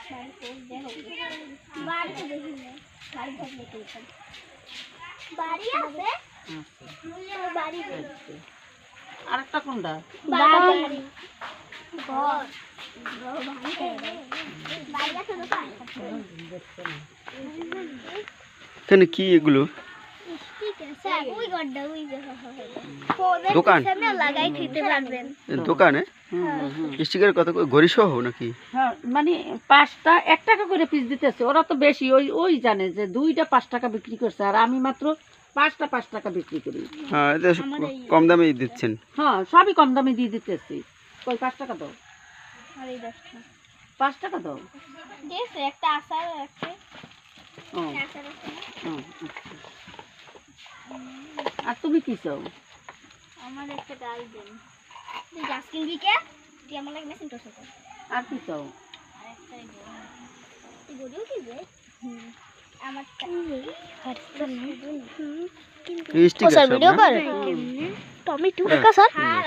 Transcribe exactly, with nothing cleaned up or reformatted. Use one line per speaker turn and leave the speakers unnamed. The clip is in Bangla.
আরেকটা কোনটা?
কেন কি এগুলো? দোকান দোকানে স্টিকার কত ঘড়ি সহ নাকি?
হ্যাঁ, মানে পাঁচটা এক টাকা করে পিস দিতেছে। ওরা তো বেশি, ওই ওই জানে যে দুইটা পাঁচ টাকা বিক্রি করছে, আর আমি মাত্র পাঁচটা পাঁচ টাকা বিক্রি করি।
হ্যাঁ, এটা কম দামে দিচ্ছেন।
হ্যাঁ, সবই কম দামে দিয়ে দিতেছি। কই পাঁচ টাকা দাও, পাঁচ টাকা দাও।
একটা আচার আছে।
ও, ও, আর তুমি কি চাও?
আমার একটা ডাল দেন। তুই গাছ কিনবি কে? তুই আমার লাগে মেশিন তো সাথে।
আর কি চাও?
আরেকটাই দে। তুই গড়িও কি বে? হুম। আমার হাতটা না।
স্টিকার সব না?
টমেটো কাঁচা